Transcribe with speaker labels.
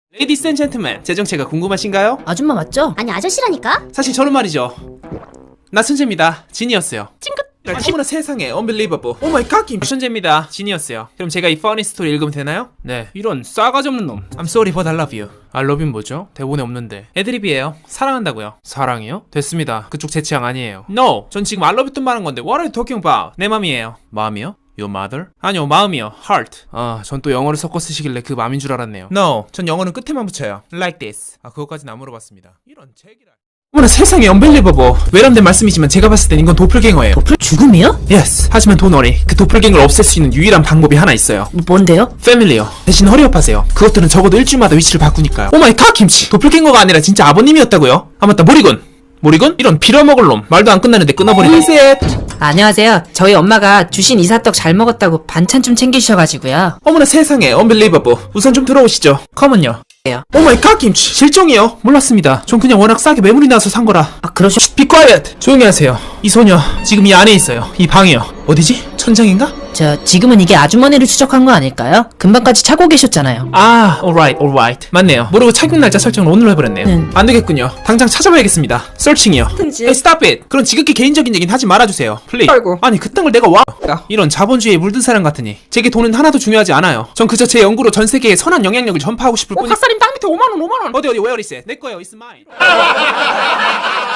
Speaker 1: 레이디스 앤 젠틀맨, 제 정체가 궁금하신가요?
Speaker 2: 아줌마 맞죠?
Speaker 3: 아니 아저씨라니까?
Speaker 1: 사실 저는 말이죠, 나 천재입니다. 지니어스요. 찡긋. 어머나 세상에, unbelievable. 오 마이 갓, 김 천재입니다. 지니어스요. 그럼 제가 이 퍼니 스토리 읽으면 되나요? 네. 이런 싸가지 없는 놈. I'm sorry but I love you. I love you 뭐죠? 대본에 없는데. 애드립이에요. 사랑한다고요. 사랑이요? 됐습니다. 그쪽 제 취향 아니에요. No. 전 지금 I love you 또 말한 건데 What are you talking about? 내 맘이에요. 마음이요? Your mother? 아니요, 마음이요. Heart. 아, 전 또 영어를 섞어 쓰시길래 그 맘인 줄 알았네요. No. 전 영어는 끝에만 붙여요. Like this. 아, 그것까지는 안 물어봤습니다. 이런 책이라. 어머나 세상에, unbelievable. 외람된 말씀이지만 제가 봤을 땐 이건 도플갱어예요.
Speaker 2: 죽음이요?
Speaker 1: Yes. 하지만 도너리, 그 도플갱어를 없앨 수 있는 유일한 방법이 하나 있어요.
Speaker 2: 뭔데요?
Speaker 1: 패밀리요. 대신 허리업하세요. 그것들은 적어도 일주일마다 위치를 바꾸니까요. 오마이 갓, 김치. 도플갱어가 아니라 진짜 아버님이었다고요? 아 맞다, 모리군. 모리군? 이런 빌어먹을 놈. 말도 안 끝나는데 끊어버리네. 리셋.
Speaker 2: 안녕하세요. 저희 엄마가 주신 이사떡 잘 먹었다고 반찬 좀 챙기주셔가지고요.
Speaker 1: 어머나 세상에, unbelievable. 우선 좀 들어오시죠. 컴은요. 오마이 갓, 김치. 실종이요? 몰랐습니다. 전 그냥 워낙 싸게 매물이 나서 산 거라.
Speaker 2: 아, 그러셔.
Speaker 1: Be quiet. 조용히 하세요. 이 소녀 지금 이 안에 있어요. 이 방이요. 어디지? 천장인가?
Speaker 2: 지금은 이게 아주머니를 추적한 거 아닐까요? 금방까지 차고 계셨잖아요.
Speaker 1: 아, alright. 맞네요. 모르고 착륙 날짜 설정을 오늘로 해버렸네요. 안 되겠군요. 당장 찾아봐야겠습니다. 서칭이요. Hey, stop it. 그런 지극히 개인적인 얘기는 하지 말아주세요. Please.
Speaker 4: 아이고.
Speaker 1: 아니, 그 땅을 내가 이런 자본주의에 물든 사람 같으니 제게 돈은 하나도 중요하지 않아요. 전 그저 제 연구로 전 세계에 선한 영향력을 전파하고 싶을 뿐이.
Speaker 4: 갓살림 땅 밑에 5만원.
Speaker 1: 어디 where is it? 내 거예요. It's mine.